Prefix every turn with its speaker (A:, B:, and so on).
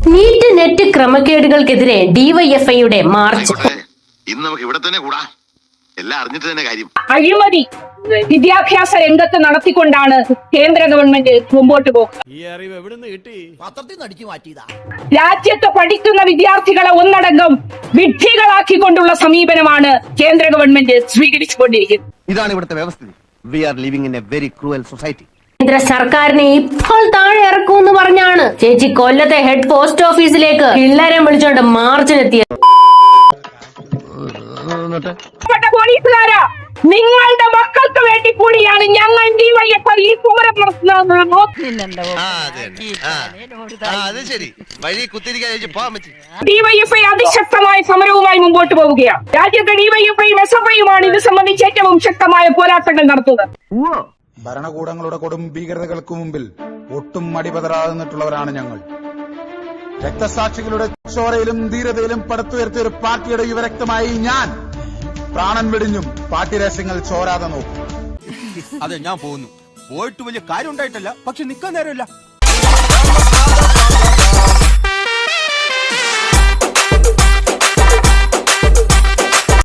A: NEET net ക്രമക്കേടുകൾക്കെതിരെ ഡിവൈഎഫ്ഐയുടെ March.
B: ഇന്ന് നമുക്ക് ഇവിടെ തന്നെ കൂടാ, എല്ലാം അറിഞ്ഞിട്ട് തന്നെ കാര്യം.
C: അഴിമതി വിദ്യാഭ്യാസ രംഗത്ത് നടത്തിക്കൊണ്ടാണ് കേന്ദ്ര ഗവൺമെന്റ് മുമ്പോട്ട് പോകുന്നത്. രാജ്യത്ത് പഠിക്കുന്ന വിദ്യാർത്ഥികളെ ഒന്നടങ്കം വിഡ്ഢികളാക്കിക്കൊണ്ടുള്ള സമീപനമാണ് കേന്ദ്ര ഗവൺമെന്റ് സ്വീകരിച്ചുകൊണ്ടിരിക്കുന്നത്.
D: ഇതാണ് ഇവിടുത്തെ വ്യവസ്ഥിതി. We are living in a very cruel society.
A: കേന്ദ്ര സർക്കാരിനെ ഇപ്പോൾ താഴെ ഇറക്കുമെന്ന് പറഞ്ഞാണ് ചേച്ചി കൊല്ലത്തെ ഹെഡ് പോസ്റ്റ് ഓഫീസിലേക്ക് പിള്ളേരെ വിളിച്ചോണ്ട് മാർച്ചിനെത്തിയത്.
C: പോലീസുകാരാ, നിങ്ങളുടെ മക്കൾക്ക് വേണ്ടി കൂടിയാണ് ഞങ്ങൾ ഡിവൈഎഫ്ഐ ഈ സമരം ഡിവൈഎഫ്ഐ അതിശക്തമായ സമരവുമായി മുമ്പോട്ട് പോവുകയാണ്. രാജ്യത്തെ ഡിവൈഎഫ്ഐയും എസ്എഫ്ഐയുമാണ് ഇത് സംബന്ധിച്ച് ഏറ്റവും ശക്തമായ പോരാട്ടങ്ങൾ നടത്തുന്നത്.
E: ഭരണകൂടങ്ങളുടെ കൊടും ഭീകരതകൾക്ക് മുമ്പിൽ ഒട്ടും മടിപതറാകുന്നിട്ടുള്ളവരാണ് ഞങ്ങൾ. രക്തസാക്ഷികളുടെ ചോരയിലും ധീരതയിലും പടുത്തുയർത്തിയ ഒരു പാർട്ടിയുടെ യുവരക്തമായി ഞാൻ പ്രാണൻ വെടിഞ്ഞും പാർട്ടി രഹസ്യങ്ങൾ ചോരാതെ നോക്കും.
F: അതെ, ഞാൻ പോകുന്നു. പോയിട്ട് വലിയ കാര്യം ഉണ്ടായിട്ടല്ല, പക്ഷെ നിൽക്കാൻ നേരമില്ല.